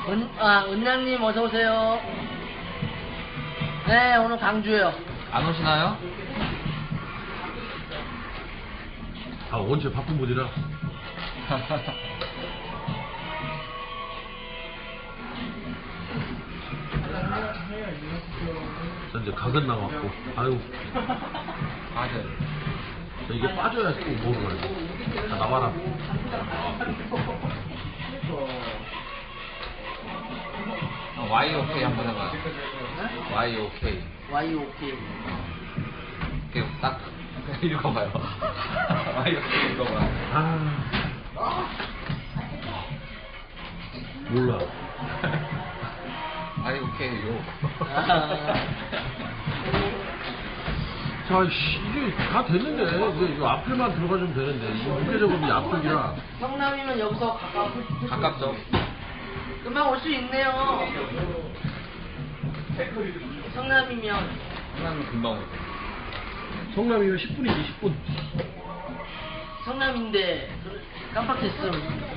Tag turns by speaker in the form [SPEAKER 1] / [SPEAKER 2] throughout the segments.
[SPEAKER 1] 은양님 어서오세요. 네, 오늘 강주예요.
[SPEAKER 2] 안 오시나요?
[SPEAKER 3] 아, 원체 바쁜 분이라. 자, 이제 각은 나왔고, 아유.
[SPEAKER 2] 맞아요.
[SPEAKER 3] 자, 이게 빠져야 또 뭐를 알고. 자, 나와라.
[SPEAKER 2] YOK 한번 해봐요. YOK.
[SPEAKER 1] YOK.
[SPEAKER 2] 이렇게 딱 읽어봐요. YOK 읽어봐요.
[SPEAKER 3] 아. 몰라.
[SPEAKER 2] YOK요.
[SPEAKER 3] 자, 이게 다 됐는데, 이제 이 앞에만 들어가주면 되는데, 이 무게 작업이 앞쪽이라.
[SPEAKER 1] 성남이면 여기서
[SPEAKER 2] 가깝죠?
[SPEAKER 1] 금방 올 수 있네요. 성남이면.
[SPEAKER 2] 성남은 금방 오죠.
[SPEAKER 3] 성남이면 10분이지, 10분.
[SPEAKER 1] 성남인데, 깜빡했어요.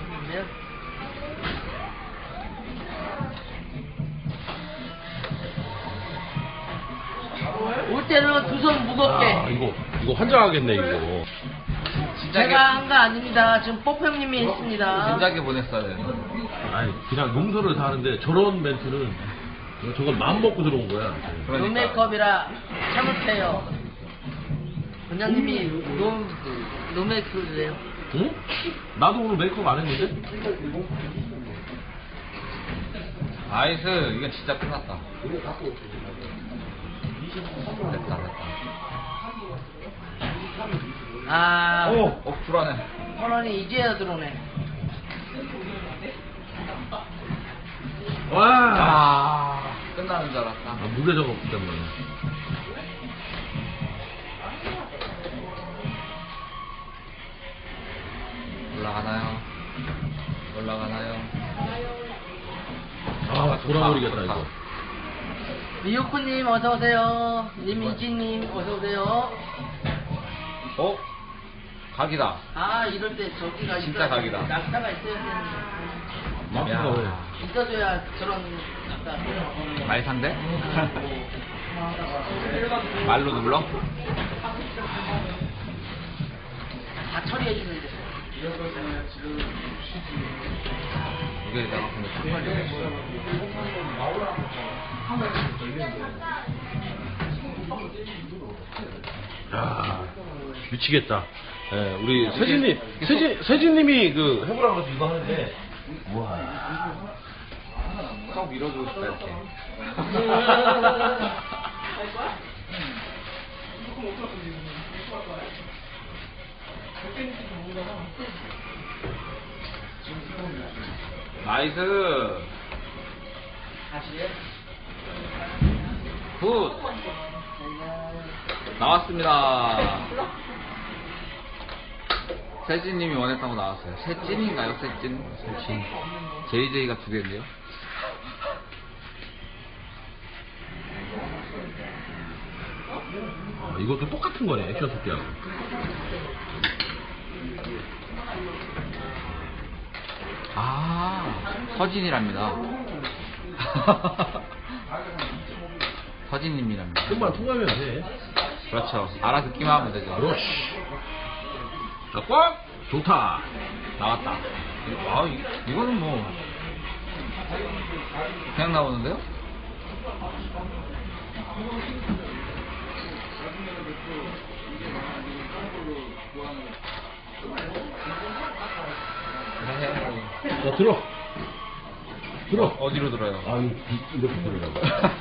[SPEAKER 1] 올 때는 두 손 무겁게.
[SPEAKER 3] 아, 이거 환장하겠네, 이거.
[SPEAKER 1] 제가 한 거 아닙니다. 지금 뽀평님이 했습니다.
[SPEAKER 2] 진작에 보냈어야 되는데.
[SPEAKER 3] 아니, 그냥 농설을 다 하는데, 저런 멘트는, 저걸 마음 먹고 들어온 거야.
[SPEAKER 1] 노메이크업이라 참을해요. 원장님이 노메이크업이래요.
[SPEAKER 3] 응? 나도 오늘 메이크업 안 했는데?
[SPEAKER 2] 나이스. 이건 진짜 끝났다. 됐다.
[SPEAKER 1] 아,
[SPEAKER 2] 불안해.
[SPEAKER 1] 선원이 이제야 들어오네.
[SPEAKER 3] 와!
[SPEAKER 2] 끝나는 줄 알았다.
[SPEAKER 3] 무게 작업 때문에.
[SPEAKER 2] 올라가나요?
[SPEAKER 3] 아, 돌아버리겠다, 이거.
[SPEAKER 1] 미유쿠님 어서오세요. 님이지님 어서오세요.
[SPEAKER 2] 각이다.
[SPEAKER 1] 아, 이럴 때 저기가
[SPEAKER 2] 진짜 각이다.
[SPEAKER 1] 낙타가 있어야 되는데.
[SPEAKER 3] 낙타가 왜?
[SPEAKER 1] 있어줘야 저런 낙타.
[SPEAKER 2] 말상대? 말로 눌러?
[SPEAKER 1] 다 처리해주는데.
[SPEAKER 2] 이게 내가 근데
[SPEAKER 3] 야, 미치겠다. 예, 우리 세진님이 그 해보라고 해서 이거 하는데, 우와.
[SPEAKER 2] 쏙 밀어주고 싶다 이렇게. 나이스. 굿. 나왔습니다. 세진님이 원했다고 나왔어요. 세진인가요? 세진? JJ가 두 개인데요.
[SPEAKER 3] 아, 이것도 똑같은 거네, 액션 토끼하고.
[SPEAKER 2] 서진이랍니다. 서진님이랍니다.
[SPEAKER 3] 끝만 통하면 돼.
[SPEAKER 2] 그렇죠. 알아듣기만 하면 되죠.
[SPEAKER 3] 그렇지. 자, 꽉! 좋다.
[SPEAKER 2] 나왔다. 이거는 뭐 그냥 나오는데요?
[SPEAKER 3] 자, 들어.
[SPEAKER 2] 어디로 들어요?
[SPEAKER 3] 아, 이렇게 들으라고.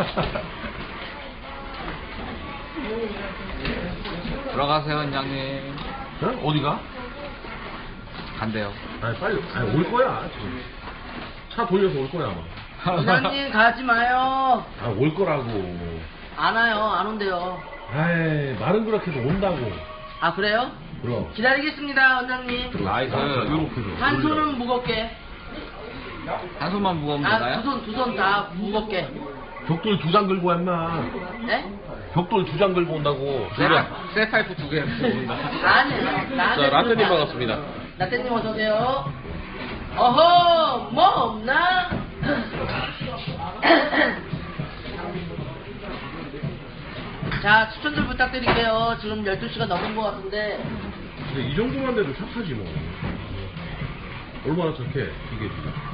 [SPEAKER 2] 들어가세요, 원장님.
[SPEAKER 3] 자, 어디가?
[SPEAKER 2] 간대요.
[SPEAKER 3] 아니, 빨리, 올 거야, 지금. 차 돌려서 올 거야, 아마.
[SPEAKER 1] 원장님 가지 마요.
[SPEAKER 3] 아, 올 거라고.
[SPEAKER 1] 안 와요. 안 온대요.
[SPEAKER 3] 아이, 말은 그렇게 해도 온다고.
[SPEAKER 1] 아, 그래요?
[SPEAKER 3] 그럼.
[SPEAKER 1] 기다리겠습니다, 원장님.
[SPEAKER 2] 나이스.
[SPEAKER 3] 요렇게 해서.
[SPEAKER 1] 한 손은 무겁게.
[SPEAKER 2] 한 손만 무거우면 되나요?
[SPEAKER 1] 두 손 다 무겁게.
[SPEAKER 3] 벽돌 2장 들고 와, 임마.
[SPEAKER 1] 네?
[SPEAKER 3] 벽돌 2장 들고 온다고.
[SPEAKER 2] 셀파이프 2개 온다.
[SPEAKER 1] 아니에요.
[SPEAKER 3] 자, 라떼님 반갑습니다.
[SPEAKER 1] 라떼님 어서오세요. 어허, 뭐 없나? 자, 추천들 부탁드릴게요. 지금 12시가 넘은 것 같은데.
[SPEAKER 3] 근데 이 정도만 돼도 착하지 뭐. 얼마나 착해 이게.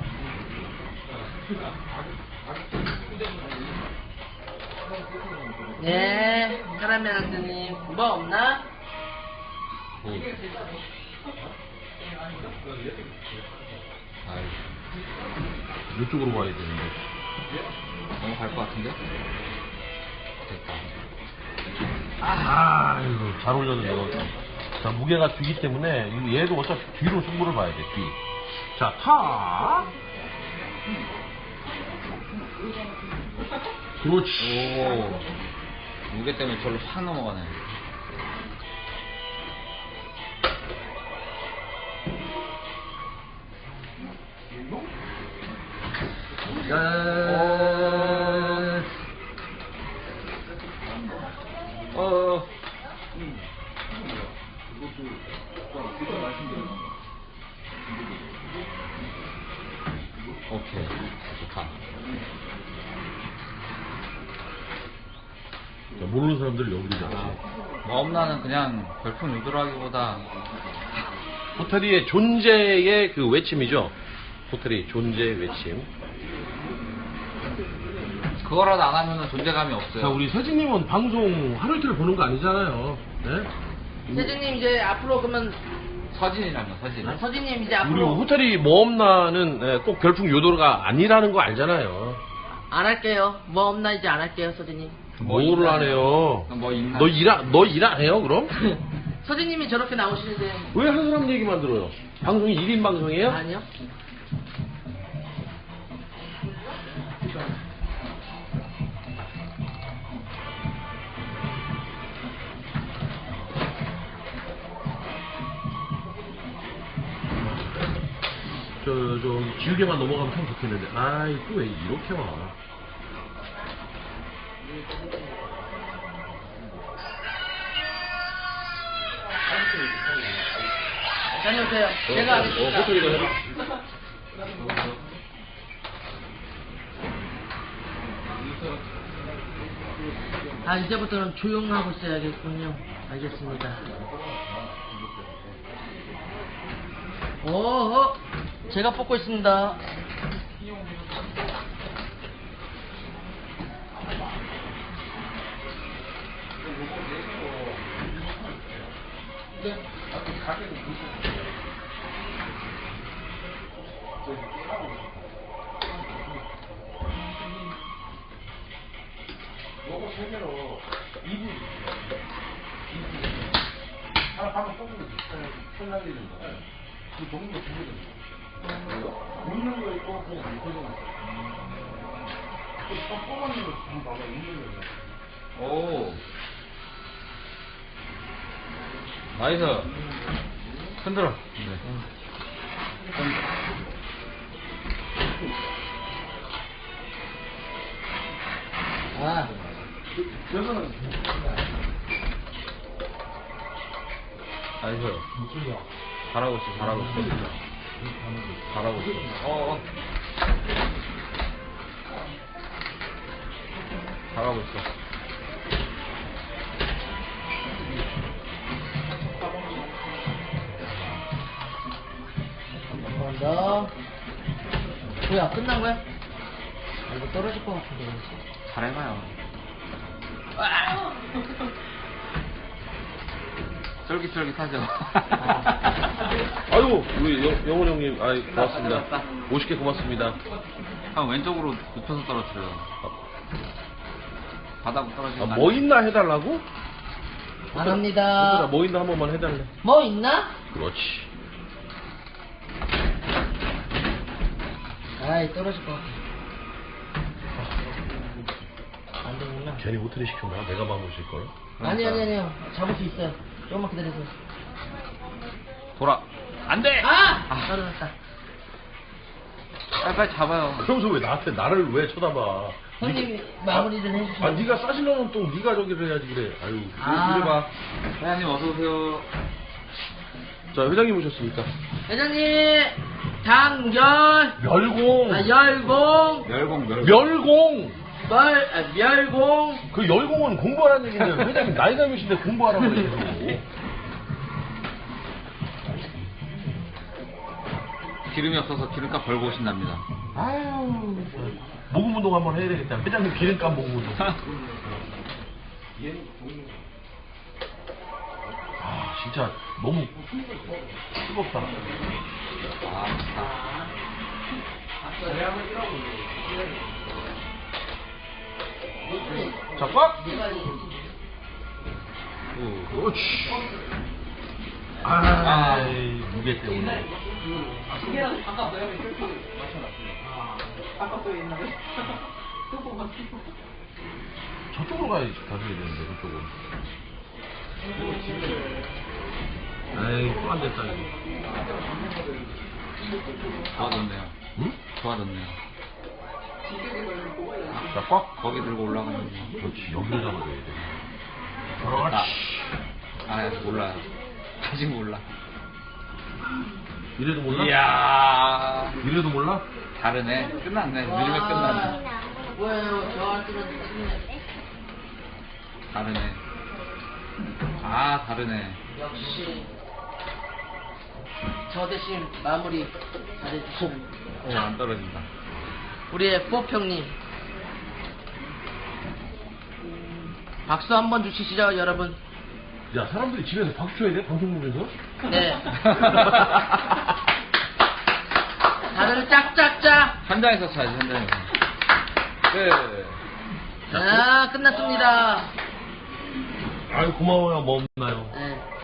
[SPEAKER 1] 네, 카라멜 한스님. 뭐 없나?
[SPEAKER 2] 아이,
[SPEAKER 3] 이쪽으로 가야 되는데.
[SPEAKER 2] 너무 갈 것 같은데? 됐다.
[SPEAKER 3] 아이고 잘 올렸는데 이거. 자 무게가 뒤기 때문에 얘도 어차피 뒤로 승부를 봐야 돼 뒤. 자 타. 그렇지.
[SPEAKER 2] 오, 무게 때문에 절로 확 넘어가네.
[SPEAKER 3] 야.
[SPEAKER 2] 오케이, 좋다.
[SPEAKER 3] 자, 모르는 사람들 여기지 않지.
[SPEAKER 2] 마음나는 그냥 별풍 유도라기보다
[SPEAKER 3] 호텔이의 존재의 그 외침이죠. 호텔이 존재의 외침.
[SPEAKER 2] 그거라도 안 하면 존재감이 없어요.
[SPEAKER 3] 자, 우리 세진님은 방송 하루 이틀 보는 거 아니잖아요. 네?
[SPEAKER 1] 세진님 이제 앞으로 그러면
[SPEAKER 2] 서진이라면 서진.
[SPEAKER 1] 서진님 이제
[SPEAKER 3] 우리
[SPEAKER 1] 앞으로
[SPEAKER 3] 호텔이 뭐 없나는 꼭 별풍 요도가 아니라는 거 알잖아요.
[SPEAKER 1] 안 할게요. 뭐 없나 이제 안 할게요, 서진님.
[SPEAKER 3] 뭐를 안 해요?
[SPEAKER 2] 뭐 있나?
[SPEAKER 3] 너 일 안 해요, 그럼?
[SPEAKER 1] 서진님이 저렇게 나오시는데
[SPEAKER 3] 왜 한 사람 얘기만 들어요? 방송이 1인 방송이에요?
[SPEAKER 1] 아니요?
[SPEAKER 3] 지우개만 넘어가면 참 좋겠는데. 아이, 또 왜 이렇게 와?
[SPEAKER 1] 다녀오세요. 제가 하겠습니다.
[SPEAKER 3] 호텔이가 해라.
[SPEAKER 1] 아, 이제부터는 조용하고 있어야겠군요. 알겠습니다. 오호, 제가 뽑고 있습니다.
[SPEAKER 3] 요거 세 개로 2분. 하나 방금 뽑는 거지. 손 날리는 거. 그 종류가 두 개잖아. 웃는 거 있고 그냥 안 터지는 거. 또 뽑아는 거 한번 봐봐. 웃는 거.
[SPEAKER 2] 오. 나이스. 흔들어. 네.
[SPEAKER 1] 아,
[SPEAKER 3] 여기는
[SPEAKER 2] 나이스. 잘하고 있어, 잘하고 있어. 잘하고 있어. 잘하고 있어.
[SPEAKER 1] 한 번 더. 뭐야, 끝난 거야? 아, 이거 떨어질 것 같은데.
[SPEAKER 2] 잘해봐요.
[SPEAKER 1] 아!
[SPEAKER 2] 쫄깃쫄깃하죠.
[SPEAKER 3] 아유, 우리 영원 형님, 아이, 고맙습니다.
[SPEAKER 2] 잘했다.
[SPEAKER 3] 50개 고맙습니다.
[SPEAKER 2] 형 왼쪽으로 눕혀서 떨어뜨려요. 바닥으로 떨어지면
[SPEAKER 3] 뭐 있나 해달라고?
[SPEAKER 1] 안 합니다.
[SPEAKER 3] 얘들아, 뭐 있나 한 번만 해달래.
[SPEAKER 1] 뭐 있나?
[SPEAKER 3] 그렇지.
[SPEAKER 1] 아이, 떨어질 것 같아. 안 되구나.
[SPEAKER 3] 괜히 호텔에 시켰나? 내가 방 오실 걸.
[SPEAKER 1] 아니요. 잡을 수 있어요. 조금만 기다리세요.
[SPEAKER 2] 돌아. 안 돼!
[SPEAKER 1] 아! 떨어졌다.
[SPEAKER 2] 빨리 잡아요.
[SPEAKER 3] 그러면서 왜 나를 왜 쳐다봐?
[SPEAKER 1] 형님이 마무리를 해주시면.
[SPEAKER 3] 아, 네가 싸시려면 또 네가 저기를 해야지 그래. 아유,
[SPEAKER 1] 아.
[SPEAKER 3] 이리 봐.
[SPEAKER 2] 회장님 어서오세요.
[SPEAKER 3] 자, 회장님 오셨습니까?
[SPEAKER 1] 회장님! 장열.
[SPEAKER 4] 멸공.
[SPEAKER 1] 열공.
[SPEAKER 4] 멸공.
[SPEAKER 1] 멸공.
[SPEAKER 4] 그 열공은 공부하라는 얘기인데 회장님 나이가 몇인데 공부하라고 그래요.
[SPEAKER 2] 기름이 없어서 기름값 벌고 오신답니다.
[SPEAKER 4] 아유, 모금 운동 한번 해야 되겠다. 회장님 기름값 모금 운동. 아, 진짜 너무 뜨겁다.
[SPEAKER 2] 아,
[SPEAKER 4] 자, 꽉!
[SPEAKER 2] 오.
[SPEAKER 4] 그렇지. 아, 무게 때문에.
[SPEAKER 1] 시계랑 바꿨어요? 바꿨어요 옛날에? 또 뽑았어.
[SPEAKER 4] 저쪽으로 가야 되는데, 저쪽으로. 에이, 또 안 됐다, 이거.
[SPEAKER 2] 좋아졌네요.
[SPEAKER 4] 응?
[SPEAKER 2] 좋아졌네요.
[SPEAKER 4] 자, 꽉!
[SPEAKER 2] 거기 들고 올라가는 거.
[SPEAKER 4] 그렇지, 여기를 잡아줘야 돼.
[SPEAKER 2] 아,
[SPEAKER 4] 그렇지.
[SPEAKER 2] 아직 몰라요. 아직 몰라.
[SPEAKER 4] 이래도 몰라?
[SPEAKER 2] 이야.
[SPEAKER 4] 이래도 몰라?
[SPEAKER 2] 다르네. 끝났네. 늦으면 끝났네.
[SPEAKER 1] 뭐예요? 저 뜨는
[SPEAKER 2] 다르네. 아, 다르네.
[SPEAKER 1] 역시 저 대신 마무리 잘해주시는
[SPEAKER 2] 오, 안 떨어진다.
[SPEAKER 1] 우리의 뽀평님 박수 한번 주시죠 여러분.
[SPEAKER 4] 야, 사람들이 집에서 박수 쳐야 돼? 방송 보면서?
[SPEAKER 1] 네. 다들 짝짝짝.
[SPEAKER 2] 현장에서 쳐야지, 현장에서. 끝.
[SPEAKER 1] 아 끝났습니다.
[SPEAKER 4] 아유, 고마워요. 뭐 없나요?
[SPEAKER 1] 네.